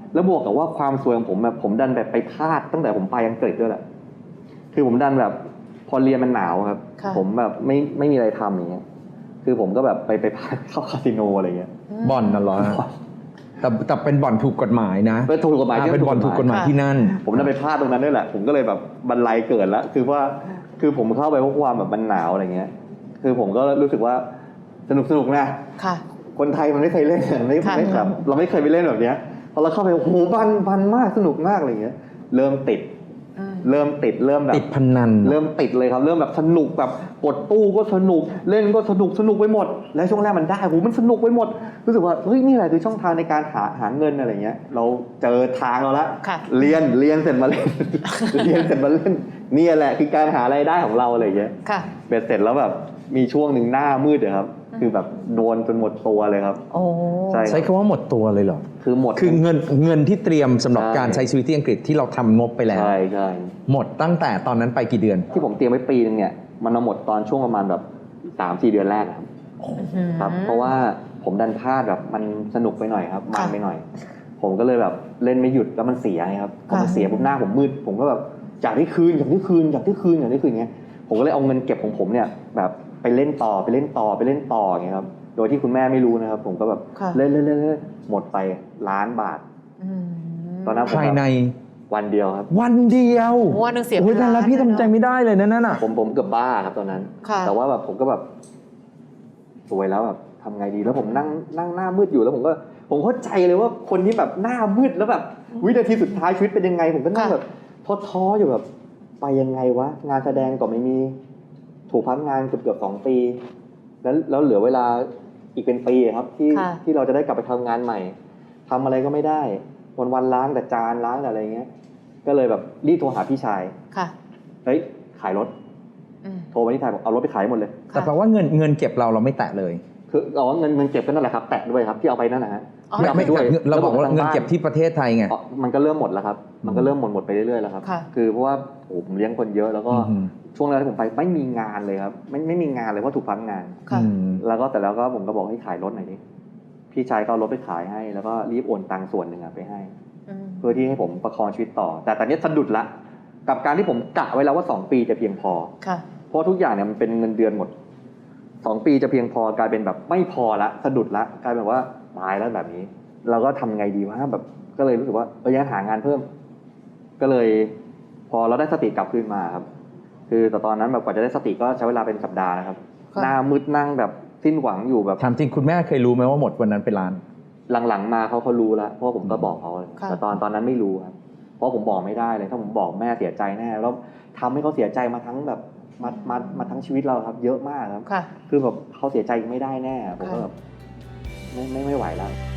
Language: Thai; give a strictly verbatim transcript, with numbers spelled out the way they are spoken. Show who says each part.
Speaker 1: แล้วบวกกับว่าความซวยของผมแบบผมดันแบบไปพลาดตั้งแต่ผมไปอังกฤษด้วยแหละคือผมดันแบบพอเรียนมันหนาวครับผมแบบไม่ไม่มีอะไรทำอย่างเงี้ยคือผมก็แบบไปไปพลาดเข้าคาสิโนอะไรเงี้ย
Speaker 2: บ่อนน่ะเหรอแต่แต่เป็นบ่อนถูกกฎหมายนะ
Speaker 1: เป็นถูกกฎหมาย
Speaker 2: เป็นบ่อนถูกกฎหมายที่นั่น
Speaker 1: ผมดันไปพลาดตรงนั้นด้วยแหละผมก็เลยแบบบันไลเกิดแล้วคือว่าคือผมเข้าไปเพราะความแบบมันหนาวอะไรเงี้ยคือผมก็รู้สึกว่าสนุกสนุกนะคนไทยมันไม่เคยเล่นไม่ไม่ครับเราไม่เคยไปเล่นแบบเนี้ยพอเราเข้าไปโอ้โหบันบันมากสนุกมากอะไรเงี้ยเริ่มติดเริ่มติดเริ่มแบบ
Speaker 2: ติดพนัน
Speaker 1: เริ่มติดเลยครับเริ่มแบบสนุกแบบกดตู้ก็สนุกเล่นก็สนุกสนุกไปหมดและช่วงแรกมันได้โหมันสนุกไปหมดรู้สึกว่าเฮ้ยนี่แหละคือช่องทางในการหาหาเงินอะไรเงี้ยเราเจอทางเราละเรียนเรียนเสร็จมาเล่น เรียนเสร็จมาเล่นนี่แหละคือการหารายได้ของเราอะไรเงี้ยเบ็ดเสร็จแล้วแบบมีช่วงหนึ่งหน้ามืดเลยครับคือแบบโดนจนหมดตัวเลยครับ
Speaker 2: ใช่ใช้คำว่าหมดตัวเลยเหรอ
Speaker 1: คือหมด
Speaker 2: คือเงินเงินที่เตรียมสำหรับการใช้ชีวิตที่อังกฤษที่เราทำงบไปแล้ว
Speaker 1: ใช่ใช่
Speaker 2: หมดตั้งแต่ตอนนั้นไปกี่เดือน
Speaker 1: ที่ผมเตรียมไว้ปีนึงเนี่ยมันมาหมดตอนช่วงประมาณแบบสามสี่เดือนแรกครับครับเพราะว่าผมดันพลาดแบบมันสนุกไปหน่อยครับมันไปหน่อยผมก็เลยแบบเล่นไม่หยุดแล้วมันเสียไงครับพอมันเสียปุ๊บหน้าผมมืดผมก็แบบอยากได้คืนอยากได้คืนอยากได้คืนอยากได้คืนเงี้ยผมก็เลยเอาเงินเก็บของผมเนี่ยแบบไปเล่นต่อไปเล่นต่อไปเล่นต่ออย่างเงี้ยครับโดยที่คุณแม่ไม่รู้นะครับผมก็แบบเล่นเล่นเล่นหมดไปล้านบาทตอนนั้น
Speaker 2: ภายใน
Speaker 1: วันเดียวครับ
Speaker 2: วันเดียว
Speaker 3: วันนึงเสีย
Speaker 2: โอ้ยแต่ละพี่ทำใจไม่ได้เลยนะนั่นน่ะ
Speaker 1: ผมผมเกือบบ้าครับตอนนั้นแต่ว่าแบบผมก็แบบสวยแล้วแบบทำไงดีแล้วผมนั่งนั่งหน้ามืดอยู่แล้วผมก็ผมเข้าใจเลยว่าคนที่แบบหน้ามืดแล้วแบบวินาทีสุดท้ายชีวิตเป็นยังไงผมก็นั่งแบบท้อๆอยู่แบบไปยังไงวะงานแสดงก็ไม่มีถูกพักงานเกือบเกือบสองปีแล้วแล้วเหลือเวลาอีกเป็นปีครับที่ที่เราจะได้กลับไปทำงานใหม่ทำอะไรก็ไม่ได้วันวันล้างแต่จานล้างแต่อะไรเงี้ยก็เลยแบบรีบโทรหาพี่ชายเฮ้ยขายรถโทรไปที่ชายบอกเอารถไปขายหมดเลย
Speaker 2: แต่แปลว่าเงินเงินเก็บเราเราไม่แตะเลย
Speaker 1: คือเอาเงินเงินเก็บก็นั่นแหละครับแตะด้วยครับที่เอาไปนั่นนะฮะ
Speaker 2: ไม่ไม่ด้วยเราบอกว่าเงินเก็บที่ประเทศไทยไง
Speaker 1: มันก็เริ่มหมดแล้วครับมันก็เริ่มหมดหมดไปเรื่อยๆแล้วครับคือเพราะว่าผมเลี้ยงคนเยอะแล้วก็ช่วงแรกที่ผมไปไม่มีงานเลยครับไม่ไม่มีงานเลยเพราะถูกพักงานแล้วก็แต่แล้วก็ผมก็บอกให้ขายรถหน่อยดิพี่ชายก็เอารถไปขายให้แล้วก็รีบโอนตังค์ส่วนหนึ่งไปให้เพื่อที่ให้ผมประคองชีวิตต่อแต่ตอนนี้สะดุดละกับการที่ผมกะไว้แล้วว่าสองปีจะเพียงพอเพราะทุกอย่างเนี่ยมันเป็นเงินเดือนหมดสองปีจะเพียงพอกลายเป็นแบบไม่พอละสะดุดละกลายเป็นว่าตายแล้วแบบนี้เราก็ทำไงดีวะแบบก็เลยรู้สึกว่าเออยังหางานเพิ่มก็เลยพอเราได้สติกลับคืนมาครับคือแต่ตอนนั้นแบบกว่าจะได้สติก็ใช้เวลาเป็นสัปดาห์นะครับหน้ามืดนั่งแบบสิ้นหวังอยู่แบบ
Speaker 2: ถามจริงคุณแม่เคยรู้ไหมว่าหมดวันนั้นเป็นล้าน
Speaker 1: หลังๆมาเขาเขารู้แล้วเพราะผมก็บอกเขาแต่ตอนตอนนั้นไม่รู้ครับเพราะผมบอกไม่ได้เลยถ้าผมบอกแม่เสียใจแน่แล้วทำให้เขาเสียใจมาทั้งแบบมามามาทั้งชีวิตเราครับเยอะมากครับคือแบบเขาเสียใจไม่ได้แน่ผมก็แบบไม่ไม่ไม่ไหวแล้ว